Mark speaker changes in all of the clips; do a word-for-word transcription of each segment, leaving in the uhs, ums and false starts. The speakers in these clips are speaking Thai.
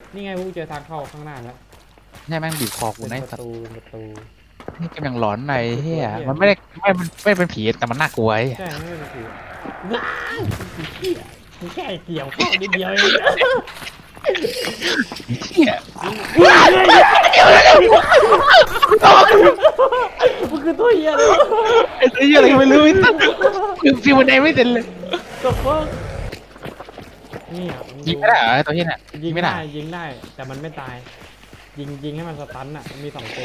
Speaker 1: นี่ไงพวกเจอทางเข้าข้างหน้าแล้ว
Speaker 2: เนี่ยแม่งบีบคอกู
Speaker 1: เป็น
Speaker 2: นะ
Speaker 1: ประตูเป็นประตู
Speaker 2: นี่กำลังหลอนใน
Speaker 1: คือ
Speaker 2: เฮี
Speaker 1: ตัวย เหี้ย
Speaker 2: มันไม่ได้ไม่มันไม่เป็นผีแต่มันน่ากลัวไอ้
Speaker 1: ใช่ไม่เป็นผีว้าวเหี้ยมึงแค่เกี่ยวเข้านิดเดียวเอง
Speaker 2: เฮีย
Speaker 1: มันคือตัวเหี้ยเลย
Speaker 2: ไอ้ตัวเฮียอะไรก็ไม่รู้ไม่ตั้งคือฟิวมันได้ไม่เสร็จเลย
Speaker 1: ตบฟังนี่อ่ะง
Speaker 2: ยิงไม่ได้เหรอไอ้ตัวเฮียเนี่ย
Speaker 1: ยิ
Speaker 2: ยิ
Speaker 1: ง
Speaker 2: งไม่
Speaker 1: ได้
Speaker 2: ได้
Speaker 1: ยิงได้แต่มันไม่ตาย ยิงยิงให้มันสตันอ่ะมันมีสองตัว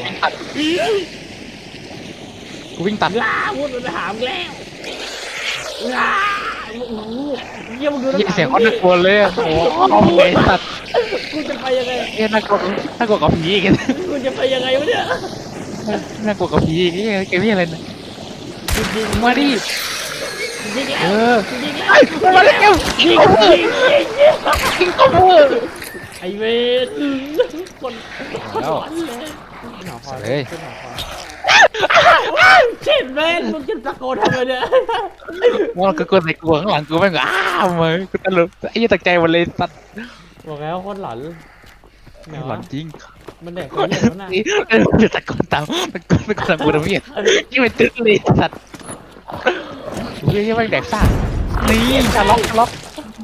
Speaker 2: กูวิ่งตัด
Speaker 1: ลาพูดมันถามแล้วลาโอ้โหเยี่ยมดู
Speaker 2: ยิงเสียงเขาน่ากลัวเลยอะโอ้โหไอ้สัตว์
Speaker 1: กูจะไปยังไง
Speaker 2: เฮียน่ากลัวน่ากลัวกับผีอีก
Speaker 1: กูจะไปยังไงวะเนี่ย
Speaker 2: น่ากลัวกับผีอีกเกมนี้อะไรนะ
Speaker 1: ยิง
Speaker 2: มาดิ
Speaker 1: ยิงแล้
Speaker 2: เอ
Speaker 1: ว
Speaker 2: อ
Speaker 1: ยิงแล้ว
Speaker 2: ไอ้มาแล้วยิง
Speaker 1: ยิง
Speaker 2: คอมเวอ
Speaker 1: ยิ
Speaker 2: ร์
Speaker 1: งยิง
Speaker 2: ยิงคอมเวอร์
Speaker 1: ไอเวทคนคนหลอนเลยหนอคอยขึ้นหนอคอยเช่นเวทมึงจะตะโกนทำไมเนี่ย
Speaker 2: มันก็กดใส่กูข้างหลังกูแม่งอ้าวมึงกูตลกไอ้ยี่ตกใจหมดเลยสัตว์
Speaker 1: บอกแล้วคนหลอนแมว
Speaker 2: หลอนจริง
Speaker 1: มันเด็กคนเดียวนะ
Speaker 2: เออตะโกนตามตะโกนตะโกนตามกูทำไมยี่เป็นตึ๊ดเลยสัตว์เฮ้ยยังไม่แดกซ่านี่จะล็อกจะล็อก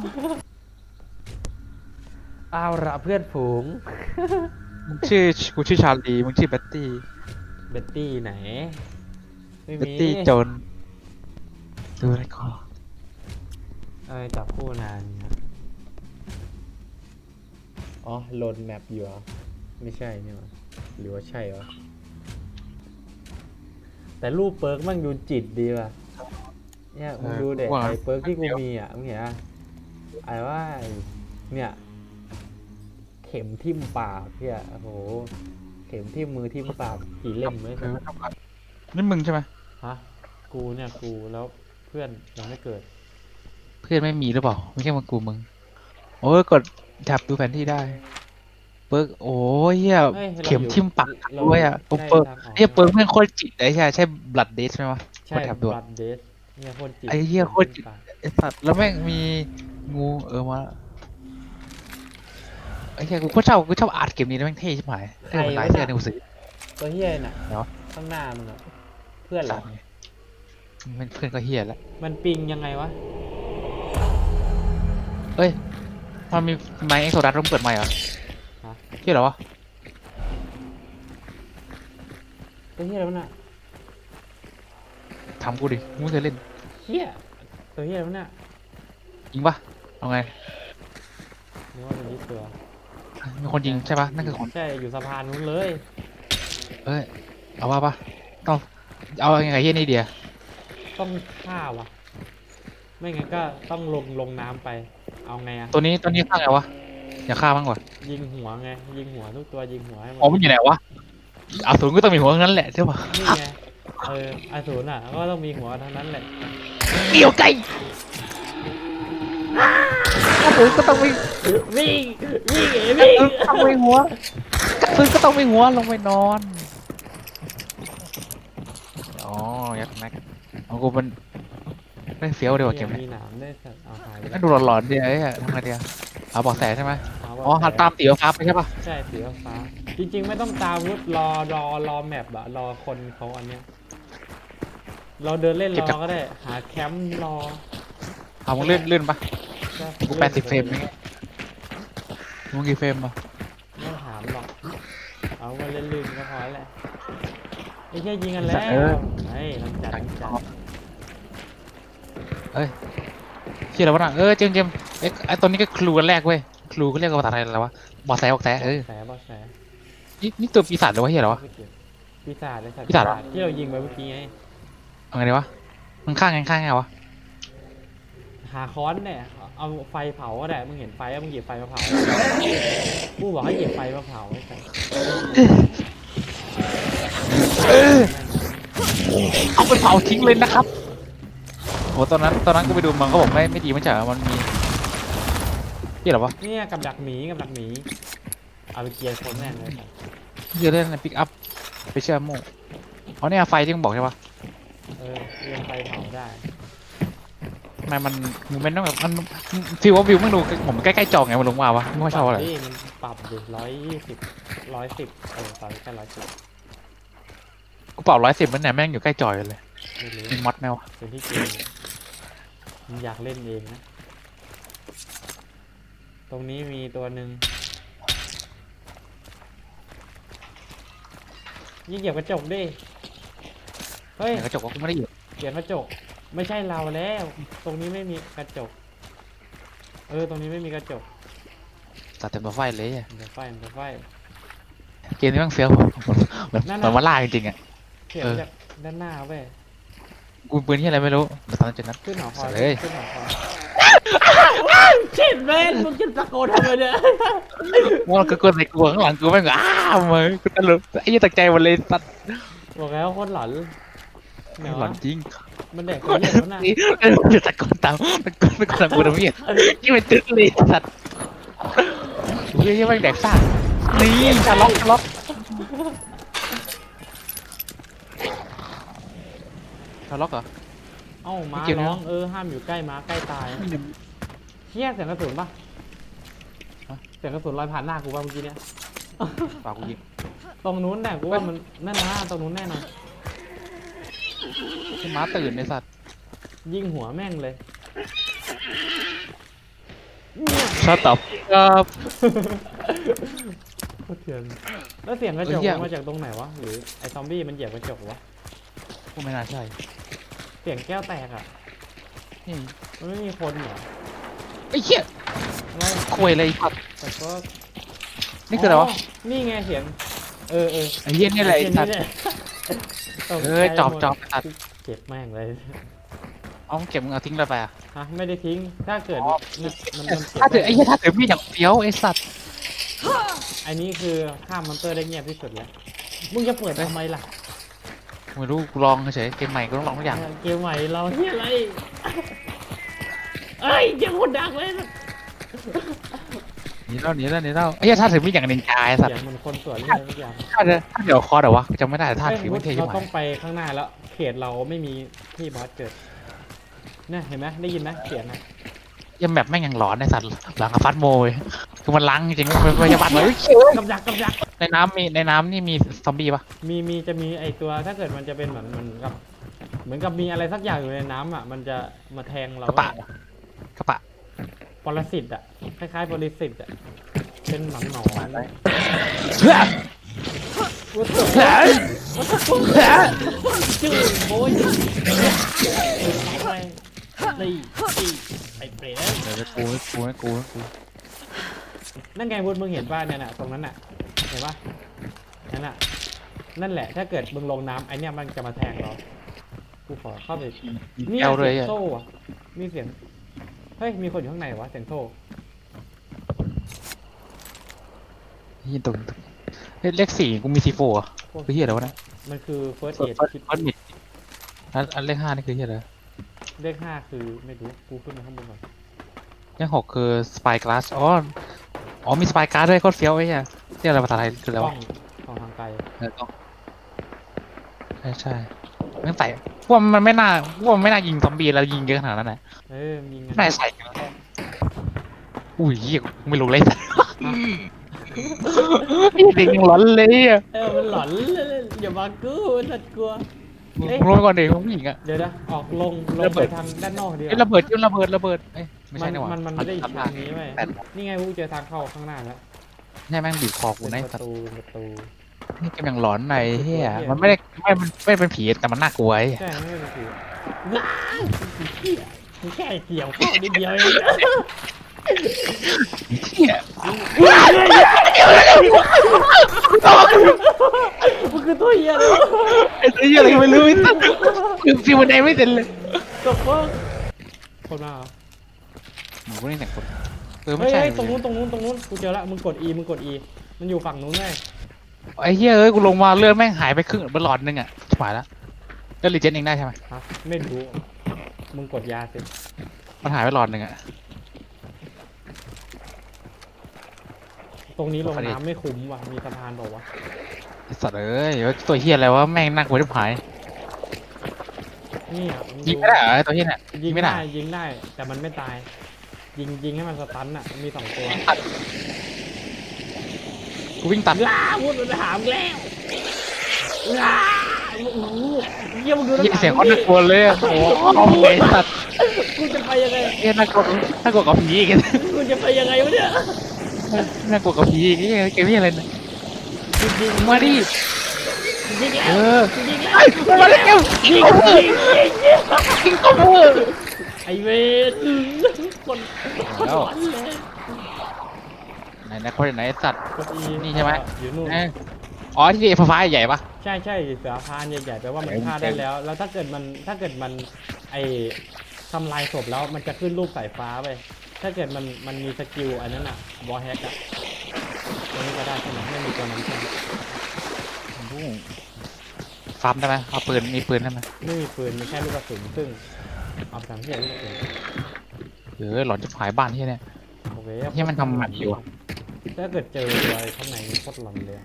Speaker 1: เอาละเพื่อนฝูง
Speaker 2: มึงชื่อกูชื่อชาลีมึงชื่อแบตตี้
Speaker 1: เบ็ตตี้ไหนไม่
Speaker 2: แบต
Speaker 1: มี
Speaker 2: ตี้จนดูอะไรก่อน
Speaker 1: เอ้ยจับคู่นานเนี่ยอ๋อโหลดแมปอยู่เหรอไม่ใช่นี่หว่าหรือว่าใช่วะแต่รูปเปิร์กมันดูจิตดีว่ะเนี่ยมึงดูเด็กไอ้เปิร์กที่กูมีอ่ะมึงเห็นอ่ะไอ้ว่าไอ้เนี่ยเข็มทิ่มปากพี่อ่ะโอ้โหเข็มทิ่มมือทิ่มปากกี่เล่มไม่
Speaker 2: เอ
Speaker 1: ใช่
Speaker 2: อนี่มึงใช่ไหม
Speaker 1: ฮะกูเนี่ยกูแล้วเพื่อนยังไม่เกิด
Speaker 2: เพื่อนไม่มีหรือเปล่าไม่ใช่มึงกูมึงโอ้ยกดจับดูแผนที่ได้เปิร์กโอ้ยเหี้ย
Speaker 1: เอ้ยเรา
Speaker 2: เข็ม
Speaker 1: อยู่
Speaker 2: ทิ่มปัก
Speaker 1: เรา
Speaker 2: ด้วยอ่ะ
Speaker 1: อยู่
Speaker 2: โอ้เปิร์ก
Speaker 1: ใกล้ทางออก
Speaker 2: เหี้ยเปิร์กเพื่อนโคตรจิตไอ้ใช่ใช่บลัดเดสไหมวะ
Speaker 1: ใช่
Speaker 2: กดแถบด่วน
Speaker 1: บัตเดสเนี่ยโคตรจิต
Speaker 2: ไอ้เหี้ยโคตรจิต ไอ้สัตว์แล้วแม่งมีงูเออมาไอ้เหี้ยกูก็ชอบกูชอบอาร์ตเกมนี้นะแม่งเท่ชิบหายเออมันลายเสื้อในกูซื้อ
Speaker 1: ตัวเฮียน่ะ
Speaker 2: เนาะ
Speaker 1: ข้างหน้ามึงอะเพื่อนเหร
Speaker 2: สั
Speaker 1: อ
Speaker 2: ตว์ไงมันเพื่อนก็เฮียแล้ว
Speaker 1: มันปิงยังไงวะ
Speaker 2: เอ้ยมันมีไมค์เอ็กโซดัสต้องเปิดไมค์เหรอ
Speaker 1: ฮะ
Speaker 2: เฮียเหรอวะ
Speaker 1: ตัวเฮียแล้วะน่ะ
Speaker 2: ทำกูดิกูไม่เคยเล่น
Speaker 1: เฮียตัวเฮียแล้วะน่ะ
Speaker 2: ยิงปะเอาไง
Speaker 1: นึกว่าเป็นยี่ตัว
Speaker 2: มีคนยิงใช่ปะนั่นคือคน
Speaker 1: ใช่อยู่สะพานนู้นเลย
Speaker 2: เอ้ยเอาว่าปะต้องเอาไงเฮียนี่เดีย
Speaker 1: ต้องฆ่าวะไม่งั้นก็ต้องลงลงน้ำไป เอาไงอะ
Speaker 2: ตัวนี้ตัวนี้ฆ่าไงวะอย่าฆ่าบ้างวะ
Speaker 1: ยิงหัวไงยิงหัวทุกตัวยิงหัวให้หม
Speaker 2: อ๋อ
Speaker 1: ด
Speaker 2: มันอยู่ไหนวะอาสูรก็ต้องมีหัวทั้งนั้นแหละใช่ปะ
Speaker 1: นี่ไงเอออสูรอ่ะก็ต้องมีหัวทั้งนั้นแหละ
Speaker 2: เกี่ยวไก่อาสูรก็ต้องมี
Speaker 1: วิ่งวิ่งเอ๋วิ่ง
Speaker 2: ต้องมีหัวกระสือก็ต้องมีหัวลงไปนอนอ๋อยัดแม็กเอากูมันไม่เฟี้ยวเดียวาเกม
Speaker 1: มี
Speaker 2: นี้
Speaker 1: หนามด้วยสัตว์เอาหายไป
Speaker 2: ก็ดูหลอนๆดีไอ้เหี้ยทำไงดีอะเอาเบอกแสใช่ไหม
Speaker 1: เาว่
Speaker 2: อ๋อหันตามตีฟ้าไปใช่ปะ
Speaker 1: ใช่สีฟ้าจริง ๆ ไม่ต้องตามวุฒรอรอรอแมปอะรอคนเขาอันเนี้ยเราเดินเล่นรอก็ได้ หาแคมป์รอ
Speaker 2: เอามึงเลื่อนเลื่อนปะ
Speaker 1: ก็
Speaker 2: กูแปดสิบเฟรมนี่มึงกี่เฟรมปะ
Speaker 1: ไม่ถามหรอกเอามาเล่นลื่นก็พอแล้วไอ้แค่ยิงกันแล้วไอ้ลังจัดลังจัด
Speaker 2: เอ้ยเชื่อแล้ววะน่ะเออเจมส์เจมส์เอ้ยไอ้ตัวนี้ก็คลูกันแรกเว้ยคลูก็เรียกว่าภาษาไทยอะไรวะบอกแสบอกแสเออ
Speaker 1: แสบอแส
Speaker 2: นี่นี่ตัวปีศาจหรือวะเฮียเหรอวะ
Speaker 1: ปีศาจเลยสัตว์
Speaker 2: ปีศาจเหรอ
Speaker 1: ที่เรายิงไปเมื่อกี้ไง
Speaker 2: เอาไงดีวะมึงข้างไงข้างไงวะ
Speaker 1: หาค้อนเนี่ยเอาไฟเผาก็ได้มึงเห็นไฟแล้วมึงหยิบไฟมาเผากูบอกให้หยิบไฟมาเผาไอ้สัตว์
Speaker 2: เออเอาไปเผาทิ้งเลยนะครับโหตอนนั้นตอนนั้นกูไปดูมันเขาบอกไม่ไม่ดีไม่ใช่เหรอมันมีเฮียเหรอวะ
Speaker 1: เนี่ยกับดักหมีกับดักหมีเอาไปเกียร์คนแน่เลยสัตว์
Speaker 2: เฮียเล่นในปิกอัพไปเชื่อโม่อ๋อเนี่ยไฟที่มึงบอกใช่ปะ
Speaker 1: เออเรียงไฟเผาได้
Speaker 2: ทำไมมันมูเมนต์ต้องแบบมันฟีลว่าวิวไม่ดูผมใกล้ๆจอไงมันลงมาวะไม่ค่อยชอบอะไร
Speaker 1: นี่มันปรับดิร้อยยี่สิบร้อยสิบเออตอนนี้แค่ร้อยสิบ
Speaker 2: กูเป่าร้อยสิบมันเนี่ยแม่งอยู่ใกล้จอยเลย
Speaker 1: ไม่รู้
Speaker 2: มีมอดแมว
Speaker 1: เป็นที่เกมมึงอยากเล่นเองนะ ตรงนี้มีตัวหนึ่งยิ่งเหยียบกระจกดิเฮ้ย
Speaker 2: กระจกว่ากูไม่ได้เหยียบ
Speaker 1: เหยียบกระจกไม่ใช่เราแล้ว ตรงนี้ไม่มีกระจก เออตรงนี้ไม่มีกระจก
Speaker 2: ตัดเต็มตัวไฟเลยอะ
Speaker 1: เดี๋ยวไฟเดี๋ยวไฟ
Speaker 2: เกมนี้แม่งเฟี้ยวเหมือนเหมือน
Speaker 1: นั่น
Speaker 2: เหมื
Speaker 1: น่ะ
Speaker 2: อนมาล่าจริงๆอ่ะ
Speaker 1: เสียบ
Speaker 2: เออ
Speaker 1: จากด้านหน้าเว้ย
Speaker 2: กูปืนที่อะไรไม่รู้แต่ตอนนั้นจุดนั้น
Speaker 1: ขึ้นหอคอย
Speaker 2: เลย
Speaker 1: ขึ้นหอคอยเช็ดเว้นมึงจะตะโกนทำไมเนี่ย
Speaker 2: ว่ากูกดในกลัวข้างหลังกูแม่งอ้าวมึงกูตลกไอ้ยี่ตกใจหมดเลยสัตว์
Speaker 1: บอกแล้วโคตรหลอนไหน
Speaker 2: หลอ
Speaker 1: วะ
Speaker 2: นจริง
Speaker 1: มันแดกตัวเหี้ยแล้วน่ะ
Speaker 2: นี่เดี๋ยวตะโกนตามตะโกนตะโกนตามกูทำเหี้ยยี่เป็นตึ๊ดเลยสัตว์เฮ้ยแม่งแดกซ่านี่ชาล็อกชาล็อกชาล็อกเหรอ
Speaker 1: เอ้าม้า
Speaker 2: ไม่เกี่ยวนะ
Speaker 1: ร้องเออห้ามอยู่ใกล้ม้าใกล้ตายเฮี้ยเสียงกระสุนปะเสียงกระสุนลอยผ่านหน้ากูป่ะเมื่อกี้เนี่ย
Speaker 2: ปากกูยิง
Speaker 1: ตรงนู้นแน่กูว่ามันนั่นนะตรงนู้นแน่นอน
Speaker 2: ให้ม้าตื่นในสัตว์
Speaker 1: ยิงหัวแม่งเลย
Speaker 2: ชอบตอบครับ
Speaker 1: โคตรเถื่อนแล้วเสียงกระจก
Speaker 2: เฮ้ยเหี้ย
Speaker 1: มันมาจากตรงไหนวะหรือไอ้ซอมบี้มันเหยียบกระจกวะ
Speaker 2: กูไม่น่าใช่
Speaker 1: เสียงแก้วแตกอ่ะ
Speaker 2: นี่
Speaker 1: มันไม่มีคนเหรอ
Speaker 2: ไอ้เหี้ย
Speaker 1: อะไร
Speaker 2: คุยเลยครับ
Speaker 1: แต่ก็
Speaker 2: นี่คืออะไรวะ
Speaker 1: นี่ไงเสียงเออเออ
Speaker 2: ไอ้เหี้ยนี่อะไร
Speaker 1: เสียง
Speaker 2: สัตว์
Speaker 1: นี่แหละตกใจ
Speaker 2: เอ้ยจอบ
Speaker 1: หมด
Speaker 2: จอบสัตว์
Speaker 1: เก็บแม่งเลย
Speaker 2: เอาเก็บมึงเอาทิ้งเลยไปอ่ะ
Speaker 1: ฮะไม่ได้ทิ้งถ้าเกิด
Speaker 2: อ๋อ
Speaker 1: มันมันมันเก็บ
Speaker 2: ถ้าถือ
Speaker 1: ว้
Speaker 2: ไอ้เหี้ยถ้าถือมีดอย่างเฟี้ยวไอ้สัตว์
Speaker 1: อันนี้คือข้ามมอนเตอร์ได้เงียบที่สุดแล้วมึงจะเปิดทำไมล่ะ
Speaker 2: ไม่รู้กูลองเฉยเกมใหม่กูต้องลองทุกอย่าง
Speaker 1: เกมใหม่เราที่อะไรเอ้ยเยังคนดังเลย
Speaker 2: หนีแล้วหนีแล้วหนีแล้วไอ้เหี้ยถ้าถือมีดอย่างนินจาไอ้สัต
Speaker 1: เสีย
Speaker 2: ว์
Speaker 1: งเหมันคนสวนเลยทุกอย่าง
Speaker 2: ถ้าเดี๋ยวถ้าเดี๋ยวคอเดี๋ยววะกูจำไม่ได้แต่ถ้า
Speaker 1: เอ้ย
Speaker 2: ถือไม่เท่ใช่
Speaker 1: เรา
Speaker 2: ไหม
Speaker 1: ต้องไปข้างหน้าแล้ว เขตเราไม่มีที่บอสเกิดเนี่ยเห็นไหมได้ยินไหมเสียงนะ
Speaker 2: ยังแบบแม่งยังหลอนไอ้สัตว์หลังกับฟัดโมยคือมันล้างจริงๆมันพยาบาลเลย
Speaker 1: กับดักกับดัก
Speaker 2: ในน้ำมีในน้ำนี่มีซอมบี้ปะ
Speaker 1: มีมีจะมีไอตัวถ้าเกิดมันจะเป็นเหมือนเหมือนกับ เหมือนกับมีอะไรสักอย่างอยู่ในน้ำอ่ะมันจะมาแทงเรา
Speaker 2: กระปะกระปะ
Speaker 1: ปรสิตอ่ะคล้ายๆปรสิตอ่ะเป็นหนอนหนอน
Speaker 2: เฮ้ย
Speaker 1: วัตถุ
Speaker 2: เฮ้ย
Speaker 1: วัตถุจืดโอ้ยไปตีตีไอเปรต
Speaker 2: เดี๋ยวกูกูกูกู
Speaker 1: นั่นไงวุฒิมึงเห็นป่ะเนี่ยน่ะตรงนั้นน่ะเห็นป่ะนั่นน่ะนั่นแหละถ้าเกิดมึงลงน้ำไอเนี้ยมันจะมาแทงเรากูขอเข้าไปนี่
Speaker 2: แอลเลย
Speaker 1: เสีย
Speaker 2: อ่ะ
Speaker 1: งโซ่อะมีเสียงเฮ้ยมีคนอยู่ข้างในวะเสียงโซ่
Speaker 2: ยินตรงเฮ้ยเลขสี่กูมีซีโฟอ่ะคือเฮียอะไรวะเนี่ย
Speaker 1: มันคือ first
Speaker 2: เฟิร์
Speaker 1: aid
Speaker 2: ส
Speaker 1: kit
Speaker 2: เฟิร์สมิดอันอันเลขห้านี่คือเฮียอะไร
Speaker 1: เลขห้าคือไม่รู้กูขึ้นมาข้างบนก่อน
Speaker 2: เลขหกคือสปายกลาสอ๋ออ๋อมีสปายการ์ดด้วยโคตรเฟี้ยวไอ้เหี้ยเรียกอะไรภาษาไทยคืออะไร
Speaker 1: กล้อ
Speaker 2: วะ
Speaker 1: งกล้องทางไกล
Speaker 2: เออกล้องใช่ใช่ไม่ใส่พวกมันไม่น่าพวกมันไม่น่ายิงซอมบี้แล้วยิงเยอะขนาดนั้นนะ
Speaker 1: เออยิง
Speaker 2: ไม่น่าใส่กันอุ้ยเหี้ยไม่รู้เลยเด็กยังหลอนเลยอ่ะ
Speaker 1: เออมันหลอนเลยอย่ามากูสัตว์กลัว เอ๊ะ
Speaker 2: รู้ไปก่อนเด็กผู้หญิงอ่ะ
Speaker 1: เดี๋ยวนะออกลงลง
Speaker 2: ระเบิ
Speaker 1: ไป
Speaker 2: ด
Speaker 1: ทางด้านนอกดีก
Speaker 2: เอ้ย
Speaker 1: ว่า
Speaker 2: ระเบิดจิ้มระเบิดระเบิดเอ้ยไม่
Speaker 1: มั
Speaker 2: ใช่
Speaker 1: น
Speaker 2: นี่หว่า
Speaker 1: มันมันไม่ได้อีกทางนี้ไหม
Speaker 2: แต่
Speaker 1: นี่ไงกูเจอทางเข้าข้างหน้าแล้ว
Speaker 2: ใช่แม่งบีบคอกู
Speaker 1: เป็น
Speaker 2: ใน
Speaker 1: ประ
Speaker 2: สัตว์
Speaker 1: ตูเป็นประตู
Speaker 2: นี่กำลังหลอนในเฮีย
Speaker 1: เหี้ย
Speaker 2: มันไม่ได้ไม่มันไม่เป็นผีแต่มันน่ากลัวไอ้
Speaker 1: ใช่ไม่เป็นผีว้ายเหี้ยมึงแค่เกี่ยวข้อนิดเดียวเอง
Speaker 2: เฮีย
Speaker 1: มันคือตัวเหี้ยเลยวะ
Speaker 2: ไอ้ตัวเฮียอะไรก็ไม่รู้ไอ้สัตว์คือฟิวบันไดไม่เสร็จเลย
Speaker 1: ตัวเฟิร์คนมาเหรอ
Speaker 2: หนูก็นี่แต่คนเออไม่
Speaker 1: เฮ้ย
Speaker 2: ใช่
Speaker 1: เฮ้ยตรงนู้นตรงนู้นตรงนู้นกูเจอละมึงกด E มึงกด E มันอยู่ฝั่งนู้นเลย
Speaker 2: ไอ้เฮียเอ้ยกูลงมาเลือดแม่งหายไปครึ่งเป็นหลอดนึงอ่ะชิบหายแล้วแล้วรีเจนเองได้ใช่ไหม
Speaker 1: ฮะไม่รู้มึงกดยาสิ
Speaker 2: มันหายไปหลอดนึงอ่ะ
Speaker 1: ตรงนี้ลง
Speaker 2: พอดี
Speaker 1: น้ำไม่คุ้มว่ะมีสะพานบอกว่าว
Speaker 2: ไอ้สัตว์เอ้ยตัวเฮียอะไรวะแม่งน่ากลัวที่หาย
Speaker 1: นี่อ่ะง
Speaker 2: ยิงไม่ได้เหรอไอ้ตัวเหี้ยเนี่ย
Speaker 1: ยิ
Speaker 2: ยิ
Speaker 1: ง
Speaker 2: งไม่ได้
Speaker 1: ได้ยิงได้ แต่มันไม่ตาย ยิงยิงให้มันสตันอ่ะมีสองตัว
Speaker 2: ตัดกูวิ่งตัด
Speaker 1: ลาวุธมันหามแล้วลาโอ้โหเยี่ยมงดูน้ำห
Speaker 2: เหี้ย
Speaker 1: นัก
Speaker 2: เสียงเขาน่ากลัวเลยอะโอ้โหไอ้สัตว์
Speaker 1: กูจะไปยังไง
Speaker 2: เหี้ยน่ากลัวน่ากลัวกับผีอีก
Speaker 1: กูจะไปยังไงวะเนี่ย
Speaker 2: น่ากลัวกับผีอีกเหี้ยเกมนี้อะไรเนี่ย
Speaker 1: ยิงยิง
Speaker 2: มาดิ
Speaker 1: ยิงแล้
Speaker 2: เอ
Speaker 1: ว
Speaker 2: อ
Speaker 1: ยิงแล้ว
Speaker 2: ไอ้มาแล้วยิง
Speaker 1: ยิง
Speaker 2: เข้ามือ
Speaker 1: ยิงยิงยิง
Speaker 2: ยิงเข้ามือ
Speaker 1: ไอเวรคนคนหลอนเลย
Speaker 2: ไหนนะคนไหนไอ้สัตว์
Speaker 1: กดอี
Speaker 2: นี่ใช่ไหม
Speaker 1: อยู่นู่น
Speaker 2: เอ้ยอ๋อที่ไอ้ฟ้าๆใหญ่ปะ
Speaker 1: ใช่ใช่เสือพานใหญ่ๆแปลว่ามัน
Speaker 2: เต็ม
Speaker 1: ฆ่าได้
Speaker 2: เต็ม
Speaker 1: แล้ว แล้วถ้าเกิดมันถ้าเกิดมันไอทำลายศพแล้วมันจะขึ้นรูปสายฟ้าไปถ้าเกิดมันมันมีสกิลอันนั้นอะวอลแฮกอะตัวนี้ก็ได้ใช่ไหมไม่มีตัวนั้นใช่ไหม
Speaker 2: ฟาร์มได้ไหมเอาปืนมีปืนได้ไหม
Speaker 1: ไม่มีปืนมีแค่ลูกกระสุนซึ่งเอาไปทำที่ลูกกระสุน
Speaker 2: เออหลอนจะหายบ้านที่เนี่ย
Speaker 1: โอเค
Speaker 2: เหี้ยมันทำหมันอยู่อะ
Speaker 1: ถ้าเกิดเจออะไรข้างในนี่โคตรหลอนเลย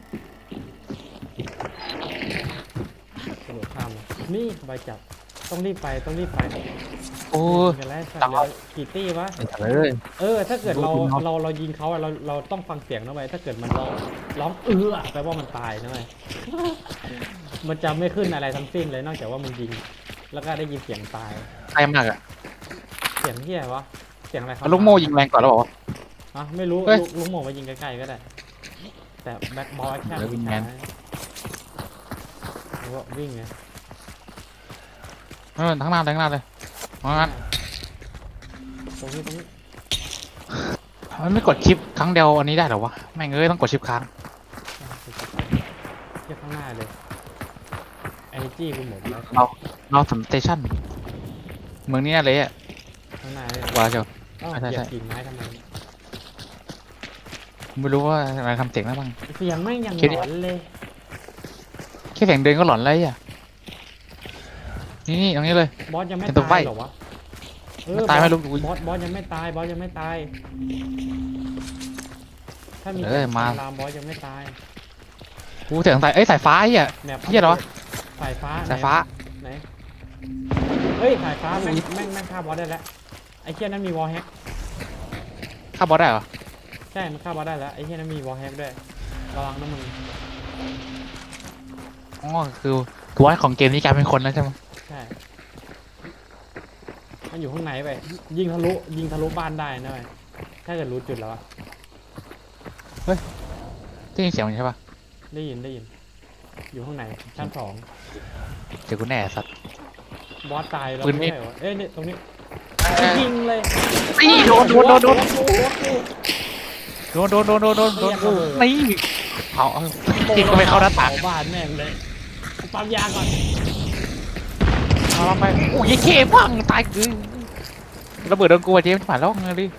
Speaker 1: กระโดดข้ามมานี่ใบจับต้องรีบไปต้องรีบไป
Speaker 2: โอ้
Speaker 1: กันแล้วสัตว์เหลือกี่ตี้วะ
Speaker 2: ไอ้สัตว์เลย
Speaker 1: เออถ้าเกิดเรา
Speaker 2: ดูคุณเนาะ
Speaker 1: เราเรายิงเขาอะเราเราต้องฟังเสียงนะเว้ยถ้าเกิดมันร้องร้องเอื้อแปลว่ามันตายนะเว้ย มันจะไม่ขึ้นอะไรทั้งสิ้นเลยนอกจากว่ามึงยิง แล้วก็ได้ยินเสียงตาย
Speaker 2: ใกล้มากอะ
Speaker 1: เสียงเฮียวะเสียงอะไรครับ
Speaker 2: เอาลูกโม่ยิงแรงก่อนแล้วบอกว่า
Speaker 1: อ่ะไม่รู้
Speaker 2: เฮ้ย
Speaker 1: ลูกลูกโม่มายิงใกล้ๆก็ได้ แต่แบ็คบอลแค่
Speaker 2: เดี๋ยววิ่งแมน
Speaker 1: แล้วก็วิ่งไง
Speaker 2: เออทั้งหน้าเลยทั้งหน้าเลยเพราะงั้น
Speaker 1: ตรงนี้ตรงนี้
Speaker 2: มันไม่กดชิปครั้งเดียวอันนี้ได้เหรอวะแม่งเอ้ยต้องกดชิปค้าง
Speaker 1: เทียบข้างหน้าเลยเอเนจีกูหมดแล้ว
Speaker 2: เราเราสำสเตชันเมืองนี้น่าเลยอะ
Speaker 1: ข้างหน้าเลย
Speaker 2: ว่าเจ้า
Speaker 1: อ้าว
Speaker 2: ใช่
Speaker 1: เหยีย
Speaker 2: ใช่
Speaker 1: บกิ่งไม้ทำไม
Speaker 2: ไม่รู้ว่าอะไรทำเสียงแล้วบ้าง
Speaker 1: เสียงแม่งยัง
Speaker 2: คิด
Speaker 1: ห
Speaker 2: ดิ
Speaker 1: ลอนเลย
Speaker 2: แค่เสียงเดินก็หลอนเลยอ่ะนี่นี่ตรงนี้เลย
Speaker 1: บอสยังไม่
Speaker 2: เป็นตัว
Speaker 1: ตา
Speaker 2: ไฟ
Speaker 1: ยเหรอวะเออ
Speaker 2: มันตายไหม
Speaker 1: บอส
Speaker 2: ลูก
Speaker 1: บอสบอสยังไม่ตายบอสยังไม่ตาย ถ้ามี
Speaker 2: เออมา
Speaker 1: ลามบอสยังไม่ตาย
Speaker 2: กูเสียงสายเอ้ยสายฟ้าไอ้อ่ะ
Speaker 1: แนบ
Speaker 2: เหี้ยเหรอวะ
Speaker 1: สายฟ้า
Speaker 2: สายฟ้า
Speaker 1: ไหนเฮ้ยสายฟ้าแม่งแม่งแม่งฆ่าบอสได้แล้วไอ้เชี่ยนั้นมีวอลแฮก
Speaker 2: ฆ่าบอสได้เหรอ
Speaker 1: ใช่มันฆ่าบอสได้แล้วไอ้เชี่ยนั้นมีวอลแฮกด้วยระวังนะมึง
Speaker 2: อ๋อคือตัวของเกมนี้กลายเป็นคนแล้วใช่ไหม
Speaker 1: ใช่มันอยู่ข้างในไปยิงทะลุยิงทะลุบ้านได้นะเว้ยถ้าเกิดรู้จุดแล้วอะ
Speaker 2: ได้ยินเสียงมันใช่ปะ
Speaker 1: ได้ยินได้ยิน อยู่ข้างในชั้นสอง
Speaker 2: เจอกูแน่สัตว์
Speaker 1: บอสตายแล้ว
Speaker 2: ปืนมี
Speaker 1: ไม่ใช่เหรอเอ้ยนี่ตรงนี้
Speaker 2: เอ้ย
Speaker 1: ยิงเลย
Speaker 2: นี่โดนโดนโดนโดน
Speaker 1: หัวกู
Speaker 2: โดนโดนโดนโดนโดนโดน
Speaker 1: ไม่อยากระเบิด
Speaker 2: นี่เอาเอายิงก็ไม่เข้าหน้าต่าง
Speaker 1: เผบ้านแม่งเลยกูปั๊มยาก่อน
Speaker 2: เอาลงไปโอ้ยเขี้พังตายคือระเบิดโดนกูอะเจมส์ผ่านแล้วไงดิ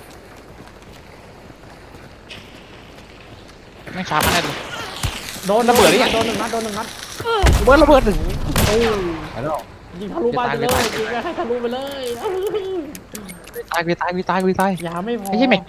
Speaker 2: ไม่ช้ามาแน่เลย
Speaker 1: โดน
Speaker 2: ระเบิดหรือยัง
Speaker 1: โดนหนึ่งนัดโดนหนึ่งนัด
Speaker 2: เบิร์ดระเบิดหนึ่ง
Speaker 1: โอ้ย
Speaker 2: ไปแล้ว
Speaker 1: ยิงทะลุบ้านไปเลย
Speaker 2: จะตาย
Speaker 1: ยิงให้ทะลุไปเลย
Speaker 2: ตายไปตายไปตายไปตาย
Speaker 1: ยาไม่พอ
Speaker 2: ไอ้เหี้ยแม็ก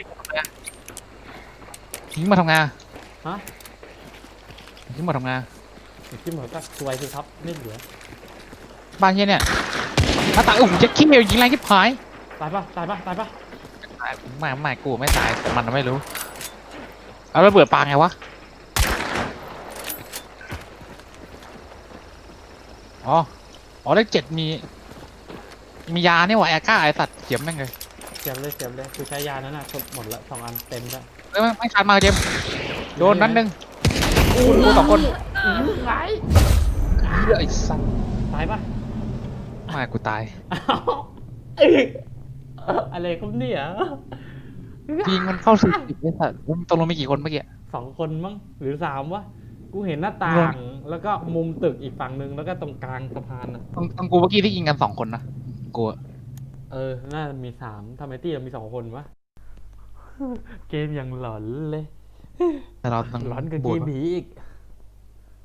Speaker 2: ทิ้งมาทำงาน
Speaker 1: ฮะ
Speaker 2: ทิ้งมาทำงาน
Speaker 1: จิ้มหัวก็สวยสิครับไม่เหลือ
Speaker 2: บ้านเฮียเนี่ยหน้าต่างโอ้โหจะขี้เมลยิงแรงที่ผาย
Speaker 1: ตายปะตายปะตายปะ
Speaker 2: ไม่ไม่กูไม่ตายแต่มันไม่รู้เอาระเบิดปาไงวะอ๋ออ๋อเลขเจ็ดมีมียาเนี่ยว่ะแอร์ก้าไอสัตว์เขียมแม่งเลย
Speaker 1: เสียบเลยเสียบเลยกูใช้ยานั้นน่ะหมดหมดละสองอันเต็มแล้ว
Speaker 2: เอ้ยไม่ไม่ขาดมาเจมส์โดนนั้นหนึ่งกูกูสองคน
Speaker 1: อื้อไหล
Speaker 2: เหี้ยไอ้สัตว์
Speaker 1: ตายปะ
Speaker 2: ไม่กูตาย
Speaker 1: อ้าวเอ้ยอะไรครับเนี่ย
Speaker 2: ยิงมันเข้าสี่สิบไอ้สัตว์มันตกลงมีกี่คนเมื่อกี้
Speaker 1: สองคนมั้งหรือสามวะกูเห็นหน้าต่าง แล้วก็มุมตึกอีกฝั่งหนึ่งแล้วก็ตรงกลางสะพานน่ะ
Speaker 2: ตรงตรงกูเมื่อกี้ที่ยิงกันสองคนนะกูอะ
Speaker 1: เออน่าจะมีสามทำไมตี้เรามีสองคนวะเกมยังหลอนเลย
Speaker 2: แต่เราต้อง
Speaker 1: หลอนกับ
Speaker 2: บู
Speaker 1: เก
Speaker 2: ด
Speaker 1: มผีอีก